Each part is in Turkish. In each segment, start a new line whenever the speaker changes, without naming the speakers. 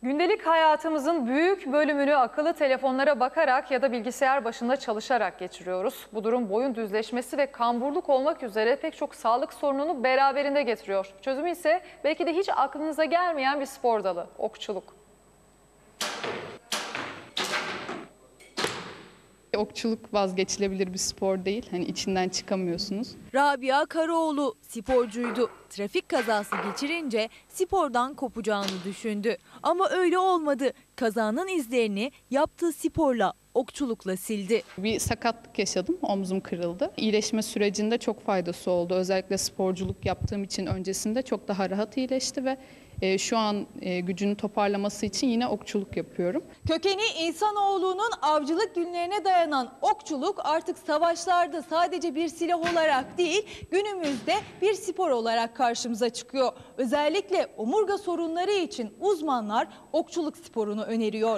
Gündelik hayatımızın büyük bölümünü akıllı telefonlara bakarak ya da bilgisayar başında çalışarak geçiriyoruz. Bu durum boyun düzleşmesi ve kamburluk olmak üzere pek çok sağlık sorununu beraberinde getiriyor. Çözümü ise belki de hiç aklınıza gelmeyen bir spor dalı, okçuluk.
Okçuluk vazgeçilebilir bir spor değil. Hani içinden çıkamıyorsunuz.
Rabia Karaoğlu sporcuydu. Trafik kazası geçirince spordan kopacağını düşündü. Ama öyle olmadı. Kazanın izlerini yaptığı sporla, okçulukla sildi.
Bir sakatlık yaşadım. Omzum kırıldı. İyileşme sürecinde çok faydası oldu. Özellikle sporculuk yaptığım için öncesinde çok daha rahat iyileşti ve şu an gücünü toparlaması için yine okçuluk yapıyorum.
Kökeni insanoğlunun avcılık günlerine dayanan okçuluk artık savaşlarda sadece bir silah olarak değil, günümüzde bir spor olarak karşımıza çıkıyor. Özellikle omurga sorunları için uzmanlar okçuluk sporunu öneriyor.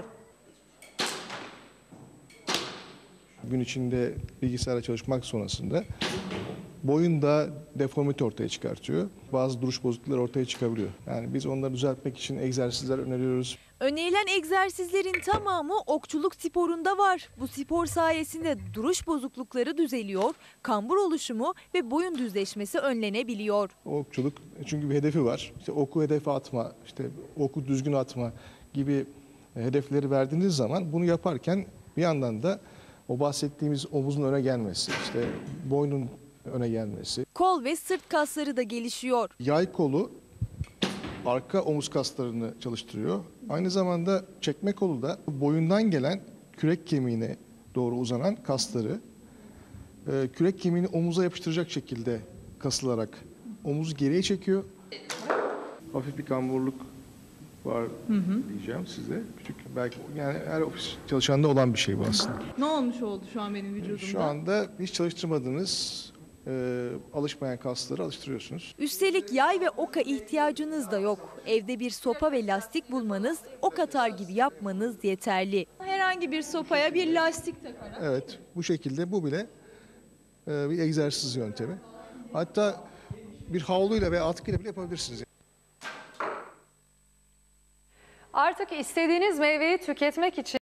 Gün içinde bilgisayarla çalışmak sonrasında boyunda deformite ortaya çıkartıyor. Bazı duruş bozuklukları ortaya çıkabiliyor. Yani biz onları düzeltmek için egzersizler öneriyoruz.
Önerilen egzersizlerin tamamı okçuluk sporunda var. Bu spor sayesinde duruş bozuklukları düzeliyor, kambur oluşumu ve boyun düzleşmesi önlenebiliyor.
Okçuluk çünkü bir hedefi var. İşte oku hedefe atma, işte oku düzgün atma gibi hedefleri verdiğiniz zaman bunu yaparken bir yandan da o bahsettiğimiz omuzun öne gelmesi, işte boynun öne gelmesi.
Kol ve sırt kasları da gelişiyor.
Yay kolu arka omuz kaslarını çalıştırıyor. Aynı zamanda çekme kolu da boyundan gelen kürek kemiğine doğru uzanan kasları kürek kemiğini omuza yapıştıracak şekilde kasılarak omuzu geriye çekiyor. Hafif bir kamburluk var diyeceğim size. Küçük belki yani her ofis çalışanında olan bir şey bu aslında.
Ne olmuş oldu şu an benim vücudumda?
Şu anda hiç çalıştırmadığınız alışmayan kasları alıştırıyorsunuz.
Üstelik yay ve oka ihtiyacınız da yok. Evde bir sopa ve lastik bulmanız, ok atar gibi yapmanız yeterli.
Herhangi bir sopaya bir lastik takarak.
Evet, bu şekilde bu bile bir egzersiz yöntemi. Hatta bir havluyla veya atkıyla bile yapabilirsiniz.
Artık istediğiniz meyveyi tüketmek için